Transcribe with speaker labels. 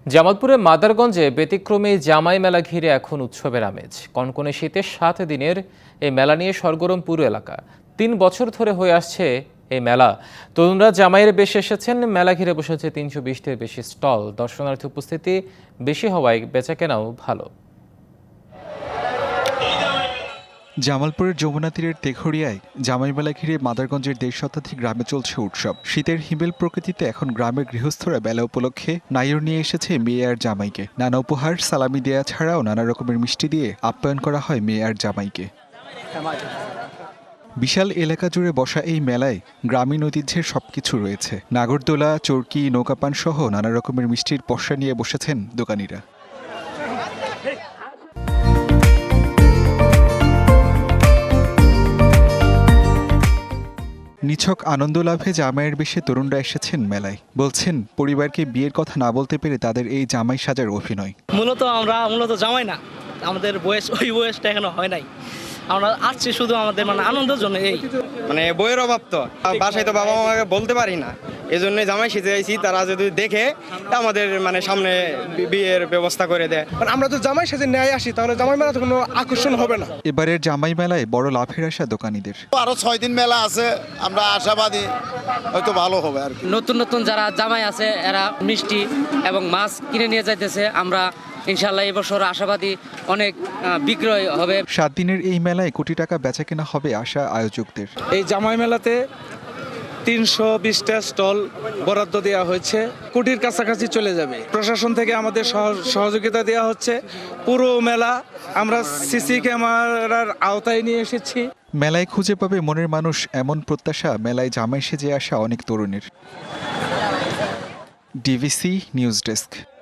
Speaker 1: জামালপুরের মাদারগঞ্জে ব্যতিক্রমী জামাই মেলা ঘিরে এখন উৎসবের আমেজ। কনকনে শীতে 7 দিনের এই মেলা নিয়ে সরগরম পুরো এলাকা। 3 বছর ধরে হয়ে আসছে এই মেলা। তরুণরা জামাইয়ের বেশে এসেছেন। মেলা ঘিরে বসেছে 320-টির বেশি স্টল। দর্শনার্থী উপস্থিতি বেশি হওয়ায় বেচাকেনাও ভালো।
Speaker 2: জামালপুরের যমুনা তীরের তেঘরিয়ায় জামাই মেলা ঘিরে মাদারগঞ্জের 1.5 শতাধিক গ্রামে চলছে উৎসব। শীতের হিমেল প্রকৃতিতে এখন গ্রামের গৃহস্থরা মেলা উপলক্ষে নাইর নিয়ে এসেছে মেয়ে আর জামাইকে। নানা উপহার, সালামি দেয়া ছাড়াও নানা রকমের মিষ্টি দিয়ে আপ্যায়ন করা হয় মেয়ে আর জামাইকে। বিশাল এলাকা জুড়ে বসা এই মেলায় গ্রামীণ ঐতিহ্যের সবকিছু রয়েছে। নাগরদোলা, চরকি, নৌকাপান সহ নানা রকমের মিষ্টির পসরা নিয়ে বসেছেন দোকানিরা। নিছক আনন্দ লাভে জামাইয়ের বেশে তরুণরা এসেছেন মেলায়। বলছেন পরিবারকে বিয়ের কথা না বলতে পেরে তাদের এই জামাই সাজার অভিনয়।
Speaker 3: আমরা জামাই না, আমাদের ওই বয়সটা এখনো হয় নাই। আমরা আসছি শুধু আমাদের আনন্দের জন্য। এই
Speaker 4: বইয়ের অভাব তো বাসায় তো বাবা মাকে বলতে পারি না, এই জন্য জামাই সেজে আইছি। তারা যদি দেখে আমাদের সামনে বিয়ের ব্যবস্থা করে দেয়।
Speaker 5: আমরা তো জামাই সেজে নিয়ে আসি, তাহলে জামাই মেলা তো কোনো আকর্ষণ হবে না।
Speaker 2: এবারের জামাই মেলায় বড় লাভের আশা দোকানীদের।
Speaker 6: আরো 6 দিন মেলা আছে, আমরা আশাবাদী হয়তো ভালো হবে আর কি।
Speaker 7: নতুন যারা জামাই আছে এরা মিষ্টি এবং মাছ কিনে নিয়ে যাইতেছে। আমরা ইনশাল্লাহ এবছর আশাবাদী অনেক বিক্রয় হবে।
Speaker 2: 7 দিনের এই মেলায় কোটি টাকা বেচাকেনা হবে আশা আয়োজকদের।
Speaker 5: এই জামাই মেলাতে 320টা স্টল বরাদ্দ দেওয়া হয়েছে, কোটির কাছাকাছি চলে যাবে। প্রশাসন থেকে আমাদের সহযোগিতা দেওয়া হচ্ছে। পুরো মেলা আমরা সিসি ক্যামেরার আওতায় নিয়ে এসেছি।
Speaker 2: মেলায় খুঁজে পাবে মনের মানুষ, এমন প্রত্যাশা মেলায় জামাই সেজে আসা অনেক তরুণের। DVC news desk.